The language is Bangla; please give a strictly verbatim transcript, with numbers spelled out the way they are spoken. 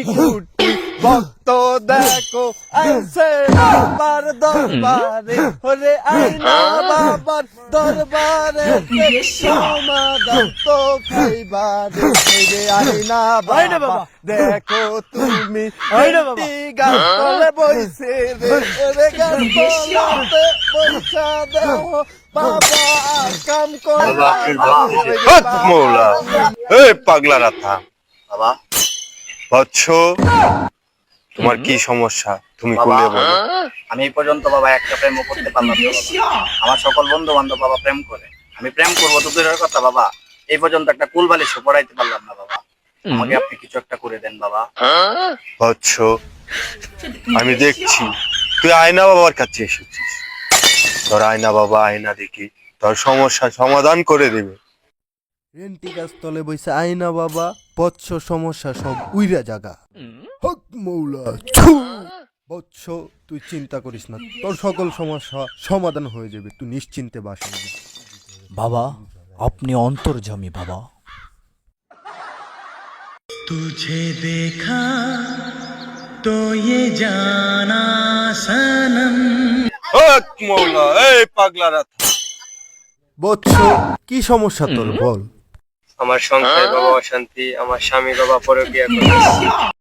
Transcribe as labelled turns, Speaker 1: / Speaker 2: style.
Speaker 1: কুটি ভক্ত দেখো আইছে বাবার দরবারে ওরে আইনা বাবার দরবারে সমাধান তো পাইবারে রে আইনা বাবা দেখো তুমি গাছতলে বইছে রে রে গাছতলাতে বইসা দেখো বাবা কাম করে
Speaker 2: মৌলা এই পাগলা রাথা
Speaker 3: বাবা
Speaker 2: বৎস তোমার কি সমস্যা তুমি খুলে বলো।
Speaker 3: আমি এই পর্যন্ত বাবা একটা প্রেম করতে পারলাম না বাবা। আমার সকল বন্ধু বান্ধব বাবা প্রেম করে, আমি প্রেম করবো তো দূরের কথা বাবা, এই পর্যন্ত একটা কুল বালিশ পড়াইতে পারলাম না বাবা। আমাকে আপনি কিছু একটা করে দেন বাবা।
Speaker 2: বৎস আমি দেখছি তুই আয়না বাবার কাছে এসেছিস, তোর আয়না বাবা আয়না দেখি তোর সমস্যা সমাধান করে দেবে।
Speaker 1: রেন্টি গাছ তলে বইছে আইনা বাবা বৎস সমস্যা সব উইরা জাগা হক মৌলা ছু। বৎস তুই চিন্তা করিস না, তোর সকল সমস্যা সমাধান হয়ে যাবে, তুই নিশ্চিন্তে বাসা
Speaker 4: বাবা আপনি অন্তর্যামী বাবা।
Speaker 5: तुझे देखा तो ये जाना सनम।
Speaker 2: হক মৌলা এই পাগলা রাথা
Speaker 1: বৎস কি সমস্যা তোর বল।
Speaker 2: আমার সংসারে বাবা অশান্তি, আমার স্বামী বাবা পরকীয়া করে।